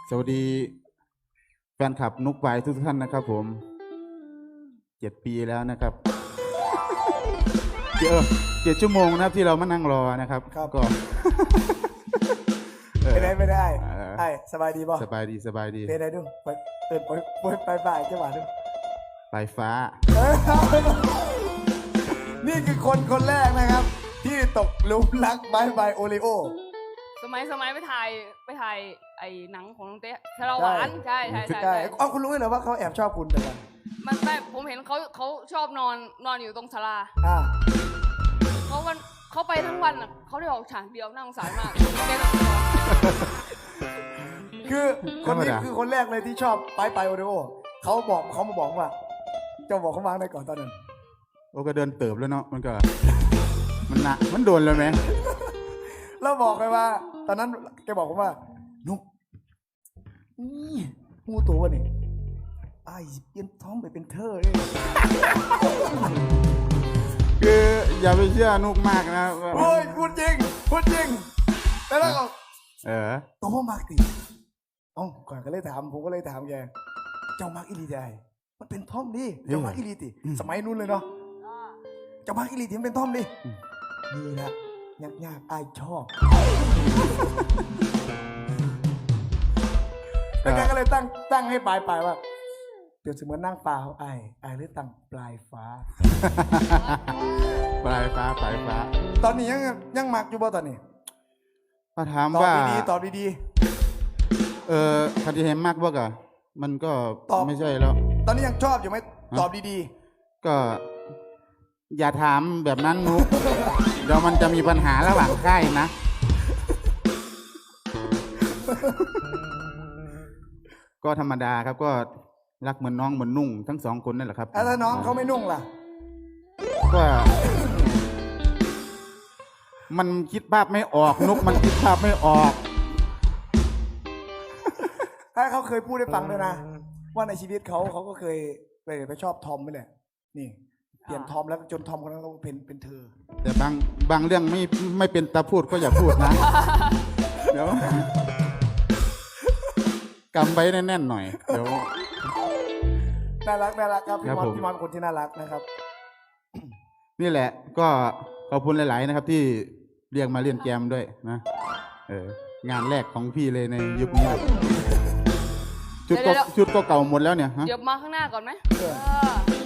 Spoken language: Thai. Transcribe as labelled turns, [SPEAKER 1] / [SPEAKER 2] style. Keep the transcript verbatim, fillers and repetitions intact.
[SPEAKER 1] สวัสดีแฟนคลับนุกปายทุกท่านนะครับผมเจ็ดปีแล้วนะครับเจอเจ็ดชั่วโมงนะครับที่เรามานั่งรอนะครับก็
[SPEAKER 2] ไม่ได้ไม่ได้ไอ้สบายดีป่ะ
[SPEAKER 1] สบายดีสบายดี
[SPEAKER 2] เป็นไงดูไปเตินไปไปไปไปจังหวะดู
[SPEAKER 1] ปลายฟ้า
[SPEAKER 2] นี่คือคนคนแรกนะครับที่ตกหลุมรักบายบายโอริโอ
[SPEAKER 3] สมัยสมัยไปถ่ายไปถ่ายไอ้หนังของน้องเต้ชะลาหวานใช่ใช่ใช่
[SPEAKER 2] ใช่เอาคุณรู้ไหมว่าเขาแอบชอบคุณแต่กัน
[SPEAKER 3] มันไม่ผมเห็นเขาเขาชอบนอนนอนอยู่ตรงศาลา
[SPEAKER 2] อ่า
[SPEAKER 3] เขาวันเขาไปทั้งวันอ่ะเขาได้ออกฉากเดียวน่าสงสารมาก
[SPEAKER 2] คือคนนี้คือคนแรกเลยที่ชอบไปไปโอริโอเขาบอกเขามาบอกว่าเจ้าบอกเขาวางได้ก่อนตอนนั้น
[SPEAKER 1] โอ้ก็เดินเติบแล้วเนาะมันก็มันหนักมันโดนเลยไหม
[SPEAKER 2] เราบอกไปว่าตอนนั้นแกบอกผมว่านุ๊กนี่มูตัวนี่ไอ้เปลี่ยนท้องไปเป็นเธอเลย
[SPEAKER 1] คืออย่าไปเชื่อนุกมากนะ
[SPEAKER 2] โอ้ยพูดจริงพูดจริงแล้วก็
[SPEAKER 1] เออ
[SPEAKER 2] ตัวพ่อมากติอ๋อก่อนก็เลยถามผมก็เลยถามแกเจ้ามากอิลีได้มันเป็นท่อมดิเจ้ามากอิลีติสมัยนู้นเลยเนาะเจ้ามากอิลีติมันเป็นท่อมดินี่นะยากยากไอ้ชอบแล้วแกก็เลยตั้งตั้งให้ปลายปลายว่าเดี๋ยวเสมือนนั่งปลาเขาไอ้ไอ้เลยตั้งปลายฟ้า
[SPEAKER 1] ปลายฟ้าปลายฟ้า
[SPEAKER 2] ตอนนี้ยังยังมักอยู่บ่ตอนนี้
[SPEAKER 1] ถ้าถามว่า
[SPEAKER 2] ตอบดีๆตอบดี
[SPEAKER 1] ๆเออคดีเห็นมากว่ากะมันก็ไม่ใช่แล้ว
[SPEAKER 2] ตอนนี้ยังชอบอยู่ไหมตอบดี
[SPEAKER 1] ๆก็อย่าถามแบบนั้นนุ๊กเดี๋ยวมันจะมีปัญหาระหว่างค่ายนะก็ธรรมดาครับก็รักเหมือนน้องเหมือนนุ่งทั้งสองคนนั่นแหละครับ
[SPEAKER 2] ถ้าน้องเขาไม่นุ่งล่ะ
[SPEAKER 1] ก็มันคิดภาพไม่ออกนุ๊กมันคิดภาพไม่ออก
[SPEAKER 2] ถ้าเขาเคยพูดให้ฟังด้วยนะว่าในชีวิตเขาเขาก็เคยไปไปชอบทอมไปเลยนี่เปลี่ยนทอมแล้วจนทอมคนนั้นก็เป็นเป็นเธอ
[SPEAKER 1] แต่บางบางเรื่องไม่ไม่เป็นตาพูดก็อย่าพูดนะเดี๋ยวกำไว้แน่นๆหน่อยเดี๋ยว
[SPEAKER 2] น่ารักน่ารักครับพี่มอนพี่มอนคนที่น่ารักนะครับ
[SPEAKER 1] นี่แหละก็ขอบคุณหลายๆนะครับที่เรียกมาเล่นแกมด้วยนะเอองานแรกของพี่เลยในยุคนี้ชุดก็ชุดก็เก่าหมดแล้วเนี่ย
[SPEAKER 3] เดี๋ยวมาข้างหน้าก่อนไหม